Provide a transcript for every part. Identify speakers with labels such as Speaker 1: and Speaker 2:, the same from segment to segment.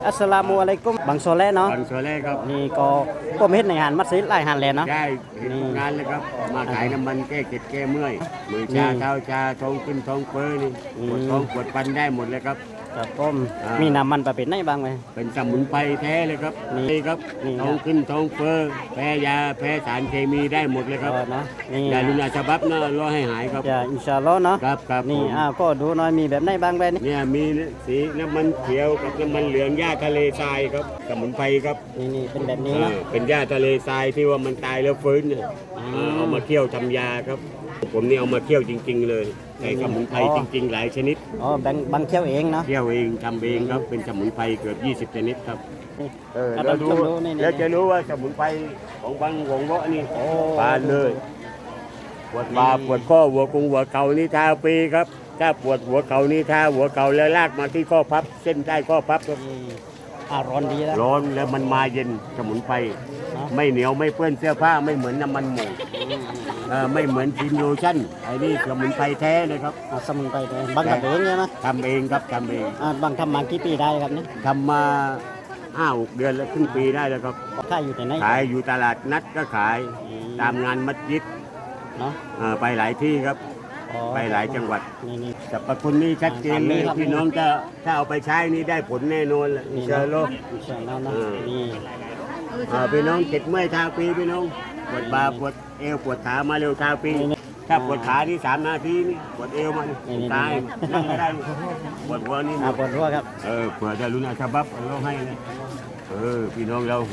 Speaker 1: อัสสลามุอะลัยกุมบางโซเล่เนาะ
Speaker 2: บางโซเล่ครับ
Speaker 1: นี่ก็ผมเฮ็ดในหานมัสยิดหลายหานแลเนาะ
Speaker 2: ได้เห็นทุกงานเลยครับมาขายน้ำมันแก้เก็ดแก้เมื่อยมือชาเท้าชาท้องขึ้นท้องเฟ้อนี่ปวดท้องปวดฟันได้หมดเลยครับ
Speaker 1: ครับผมมีน้ำมันประเภทไหนบ้างไหม
Speaker 2: เป็นสมุนไพรแท้เลยครับ
Speaker 1: นี่
Speaker 2: ครับ
Speaker 1: นี่
Speaker 2: ท้องขึ้นท้องเฟ้อแพ้ยาแพ้สารเคมีได้หมดเลยครับ
Speaker 1: เนาะนี่
Speaker 2: ยาลุนาฉบับนะรอให้หายครับ
Speaker 1: จะอินชาอัลลอฮ์เนาะ
Speaker 2: ครับ
Speaker 1: นี่ก็ดูหน่อยมีแบบไหนบ้างไปนี่
Speaker 2: เนี่ยมีสีน้ำมันเขียวกับน้ำมันเหลืองหญ้าทะเลทรายครับสมุนไพรครับ
Speaker 1: นี่เป็นแบบนี้นะ
Speaker 2: เป็นหญ้าทะเลทรายที่ว่ามันตายแล้วฟื้นเนี่ยเอามาเคี่ยวทำยาครับผมนี่เอามาเคี่ยวจริงๆเลยใส่สมุนไพรจริงๆหลายชนิด
Speaker 1: บางเคี่ยวเองเนาะ
Speaker 2: เคี่ยวเองทำเองครับเป็นสมุนไพรเกือบ20ชนิดครับ
Speaker 1: เรา
Speaker 2: แล้ว
Speaker 1: ดู
Speaker 2: แล้วจะรู้ว่าสมุนไพรของบางหงเงาะนี่ปานเลยปวดบ่าปวดข้อหัวกงหัวเข่านี่ทาฟรีครับถ้าปวดหัวเข่านี่ทาหัวเข่าแล้วลากมาที่ข้อพับเส้นใต้ข้อพับครับ
Speaker 1: ร้อนดีแล้ว
Speaker 2: ร้อนแล้วมันมาเย็นสมุนไพรไม่เหนียวไม่เปื้อนเสื้อผ้าไม่เหมือนน้ำมันหมูไม่เหมือนครีมโลชั่นไอ้นี่สมุนไพรแท้เลยครับ
Speaker 1: สมุนไพรแท้บางทำเองใช่ไหม
Speaker 2: ทำเองครับทำเอง
Speaker 1: บางทำมากี่ปีได้ครับนี่
Speaker 2: ทำมา5-6 เดือนแล้วครึ่งปีได้แล้วครับ
Speaker 1: ขายอยู่ที่ไหน
Speaker 2: ขายอยู่ตลาดนัดก็ขายตามงานมัสยิด
Speaker 1: เนาะ
Speaker 2: ไปหลายที่ครับไปหลายจังหวัดสรรพคุณนี่ชัดเจนเลยพี่น้องถ้าเอาไปใช้นี่ได้ผลแน่นอนแหละอินชาอัลลอฮ์
Speaker 1: นี่
Speaker 2: พี่น้องเจ็บเมื่อยทาฟรีพี่น้องปวดบ่าปวดเอวปวดขามาเร็วทาฟรีถ้าปวดขานี่3 นาทีนี่ปวดเอวมันตายนั่งไม่ได้ปวดหัวนี่
Speaker 1: ปวดหัวครับ
Speaker 2: เผื่อจะรุนอาชบับเราให้นะพี่น้องเรา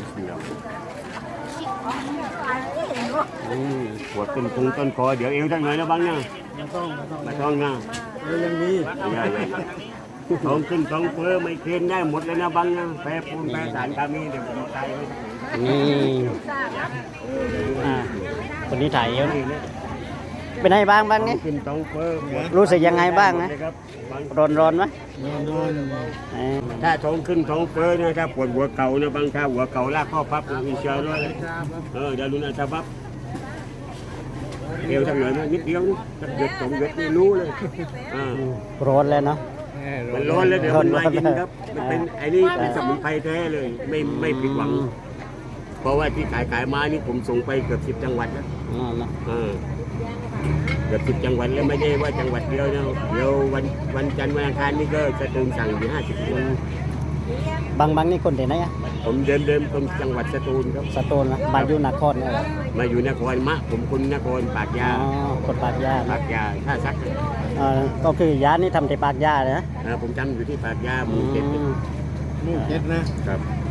Speaker 2: ปวดต้นคงต้นคอเดี๋ยวเอวทั้งหน่อยนะบ้างนะไม่ต้องนะ
Speaker 1: ยังมี
Speaker 2: ท้องขึ้นท้องเฟ้อไม่เค็มได้หมดเลยนะบ้างนะแพ้ปูนแพ้สารเคมีเดี๋ยวผมตายเลย
Speaker 1: นี่คนนี้ถ่ายเยอะเป็นไงบ้างนี่
Speaker 2: ขึ้นท้องเฟ้อ
Speaker 1: รู้สึกยังไงบ้างนะร้อนไหม
Speaker 2: ถ้าท้องขึ้นท้องเฟ้อนะถ้าปวดหัวเข่านะบางถ้าหัวเข่าลากข้อพับอินชาอัลลอฮ์เดี๋ยวรุนอาชบับเอวทำหน่อยนะนิดเดียวนี่เด็ด2 เด็ดนี่รู้เลย
Speaker 1: ร้อนแล้วเนาะ
Speaker 2: มันร้อนแล้วเดี๋ยวมันมาเย็นครับมันเป็นไอ้นี่เป็นสมุนไพรแท้เลยไม่ผิดหวังเพราะว่าที่ขายมานี่ผมส่งไปเกือบ10 จังหวัดแล้วเกือบ10 จังหวัดแล้วไม่ใช่ว่าจังหวัดเดียวนะเดี๋ยววันจันทร์วันอังคารนี่ก็จะตื่นสั่งอยู่50 คน
Speaker 1: บางนี่คนที่ไหนอ่ะ
Speaker 2: ผมเดิมตรงจังหวัดสตูลครับ
Speaker 1: สตูลนะมาอยู่นครเนี่ย
Speaker 2: มาอยู่นครผมคนนครปากยา
Speaker 1: คนปากยา
Speaker 2: ท่าซัก
Speaker 1: ก็คือยานี่ทำที่ปากยาเลยนะ
Speaker 2: ผมจำอยู่ที่ปากยาหมู่ 7
Speaker 1: นะครับ